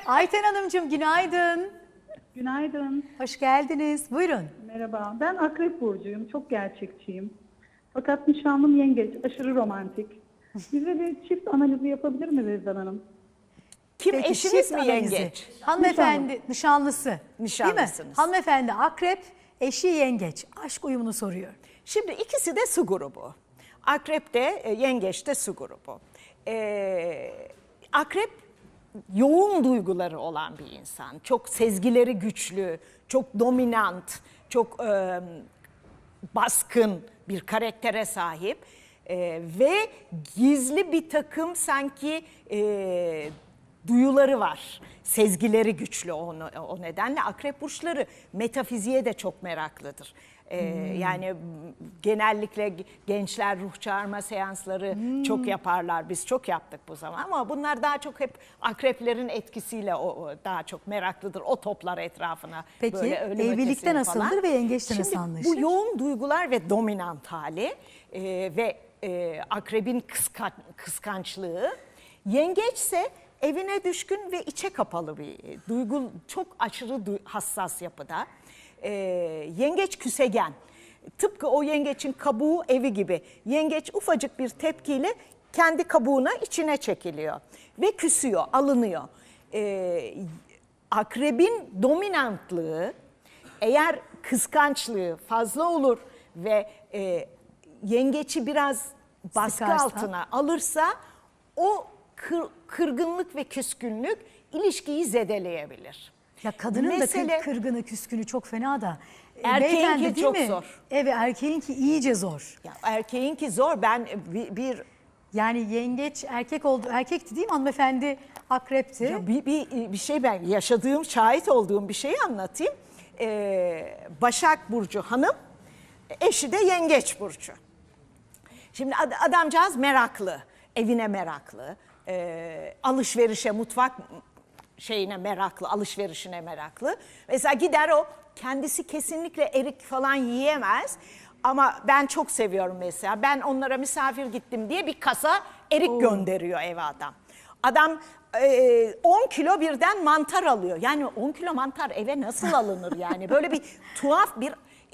Ayten Hanımcığım günaydın. Günaydın. Hoş geldiniz. Buyurun. Merhaba. Ben Akrep Burcu'yum. Çok gerçekçiyim. Fakat nişanlım yengeç. Aşırı romantik. Bize bir çift analizi yapabilir mi Rezan Hanım? Kim, Peki, eşiniz çift mi analizi. yengeç? Hanımefendi nişanlısı. Değil mi? Nişanlısınız. Hanımefendi akrep, eşi yengeç. Aşk uyumunu soruyor. Şimdi ikisi de su grubu. Akrep de yengeç de su grubu. Akrep yoğun duyguları olan bir insan. Çok sezgileri güçlü, çok dominant, çok baskın bir karaktere sahip. Ve gizli bir takım sanki duyuları var. Sezgileri güçlü o nedenle akrep burçları metafiziğe de çok meraklıdır. Yani genellikle gençler ruh çağırma seansları çok yaparlar. Biz çok yaptık bu zaman ama bunlar daha çok hep akreplerin etkisiyle daha çok meraklıdır. O toplar etrafına. Peki, böyle ölüm evlilikte ötesini nasıldır falan. ve yengeçte nasıl Şimdi anlaşır? bu yoğun duygular ve dominant hali ve akrebin kıskançlığı, yengeçse evine düşkün ve içe kapalı bir duygu, çok aşırı hassas yapıda. Yengeç küsegen. Tıpkı o yengeçin kabuğu evi gibi. Yengeç ufacık bir tepkiyle kendi kabuğuna içine çekiliyor ve küsüyor, alınıyor. Akrebin dominantlığı, eğer kıskançlığı fazla olur ve yengeçi biraz baskı Sıkarsa. altına alırsa o kırgınlık ve küskünlük ilişkiyi zedeleyebilir. Ya kadının Mesele- da kırgını, küskünü çok fena da. Erkeğinki beyefendi değil çok mi? zor. Evet, erkeğinki iyice zor. Ya erkeğinki zor. Ben bir Yani yengeç erkek oldu. Erkekti değil mi hanımefendi? Akrepti. Ya bir şey, ben yaşadığım, şahit olduğum bir şeyi anlatayım. Başak Burcu hanım, eşi de Yengeç Burcu. Şimdi adamcağız meraklı, evine meraklı, alışverişe, mutfak şeyine meraklı, alışverişine meraklı. Mesela gider o, kendisi kesinlikle erik falan yiyemez. Ama ben çok seviyorum mesela. Ben onlara misafir gittim diye bir kasa erik gönderiyor eve adam. Adam 10 kilo birden mantar alıyor. Yani 10 kilo mantar eve nasıl alınır yani? Böyle bir tuhaf bir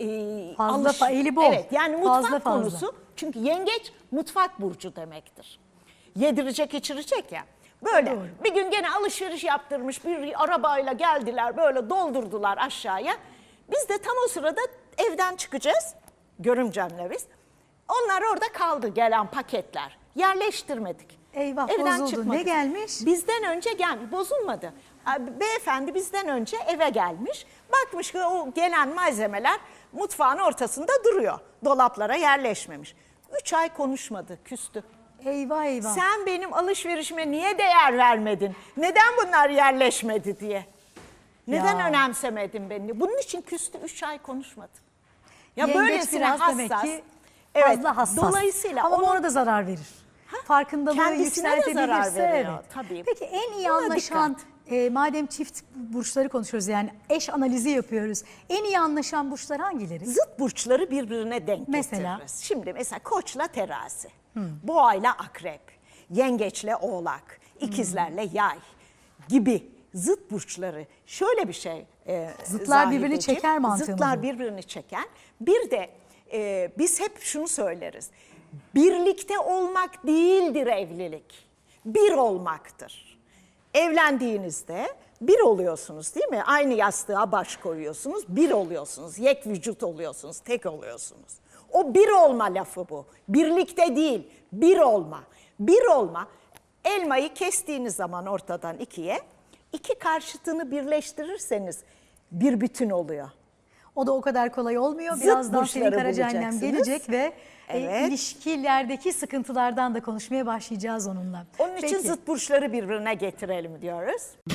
Fazla eli bol. Evet, yani mutfak Fazla. konusu. Çünkü yengeç mutfak burcu demektir. Yedirecek içirecek ya. Böyle Doğru. bir gün gene alışveriş yaptırmış bir arabayla geldiler, böyle doldurdular aşağıya. Biz de tam o sırada evden çıkacağız. Görümcemle biz. Onlar orada kaldı, gelen paketler. Yerleştirmedik. Eyvah, bozuldu. Ne gelmiş? Bizden önce gelmiş. Bozulmadı. Beyefendi bizden önce eve gelmiş. Bakmış ki o gelen malzemeler mutfağın ortasında duruyor. Dolaplara yerleşmemiş. 3 ay konuşmadı, küstü. Eyvah eyvah. Sen benim alışverişime niye değer vermedin? Neden bunlar yerleşmedi diye. Neden Ya. önemsemedin beni? Bunun için küstü, 3 ay konuşmadı. Ya Yengeç böylesine biraz hassas. demek ki Evet, fazla hassas. dolayısıyla ama onun- ona da zarar verir. Farkındalığı Kendisine de zarar yükseltebilirse veriyor, evet. tabii. Peki en iyi Buna anlaşan, madem çift burçları konuşuyoruz yani eş analizi yapıyoruz. En iyi anlaşan burçlar hangileri? Zıt burçları birbirine denk Mesela? getiririz. Şimdi mesela Koç'la Terazi, Boğa'yla Akrep, Yengeç'le Oğlak, İkizlerle Yay gibi zıt burçları şöyle bir şey. Zıtlar birbirini Zahideciğim, çeker mantığı mı Zıtlar bu? birbirini çeken. Bir de biz hep şunu söyleriz. Birlikte olmak değildir evlilik. Bir olmaktır. Evlendiğinizde bir oluyorsunuz değil mi? Aynı yastığa baş koyuyorsunuz, bir oluyorsunuz. Yek vücut oluyorsunuz, tek oluyorsunuz. O bir olma lafı bu. Birlikte değil, bir olma. Bir olma, elmayı kestiğiniz zaman ortadan ikiye, iki karşıtını birleştirirseniz bir bütün oluyor. O da o kadar kolay olmuyor. Zıt Birazdan Selin burçları Karacaannem bulacaksınız. gelecek ve Evet. ilişkilerdeki sıkıntılardan da konuşmaya başlayacağız onunla. Onun için Peki. zıt burçları birbirine getirelim diyoruz.